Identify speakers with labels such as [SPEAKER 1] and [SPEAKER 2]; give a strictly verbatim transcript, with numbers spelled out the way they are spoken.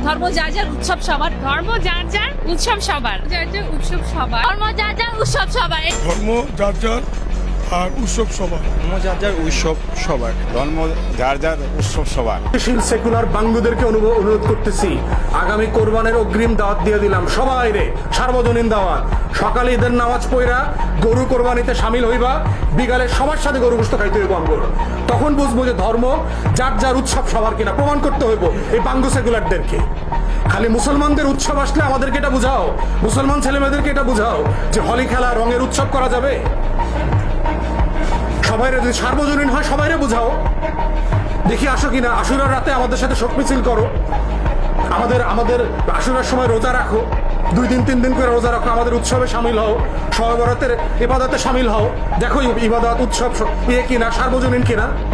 [SPEAKER 1] ধর্ম যার যার উৎসব সবার।
[SPEAKER 2] ধর্ম যার যার উৎসব সবার। যার যার উৎসব সবার।
[SPEAKER 1] ধর্ম যার যার উৎসব সবার।
[SPEAKER 3] ধর্ম যার যার আর উৎসব সবার।
[SPEAKER 4] ধর্ম যার যার উৎসব সবার।
[SPEAKER 5] ধর্ম যার যার উৎসব সবার।
[SPEAKER 6] সেকুলার বাঙ্গুদেরকে অনুভব অনুরোধ করতেছি, আগামী কোরবানের অগ্রিম দাওয়াত দিয়ে দিলাম সবাই রে, সার্বজনীন দাওয়াত। সকালে ঈদের নামাজ পড়া গরু কোরবানিতে সামিল হইবা, বিকালে সবার সাথে গরু গোশত খাইতে হইব আমগো। তখন বুঝবো যে ধর্ম যার যার উৎসব সবার কিনা, প্রমাণ করতে হইব এই বাঙ্গু সেকুলারদেরকে। খালি মুসলমানদের উৎসব আসলে আমাদেরকে এটা বুঝাও, মুসলমান ছেলেমেয়েদেরকে এটা বুঝাও যে হোলি খেলা রঙের উৎসব করা যাবে। সবাই যদি সার্বজনীন হয় সবাইরে বুঝাও, দেখি আসো কিনা। আশুরার রাতে আমাদের সাথে শোক মিছিল করো, আমাদের আমাদের আশুরার সময় রোজা রাখো, দুই দিন তিন দিন করে রোজা রাখো, আমাদের উৎসবে সামিল হও, শবে বরাতের ইবাদতে সামিল হও। দেখো ইবাদত উৎসব ইয়ে কিনা, সার্বজনীন কিনা।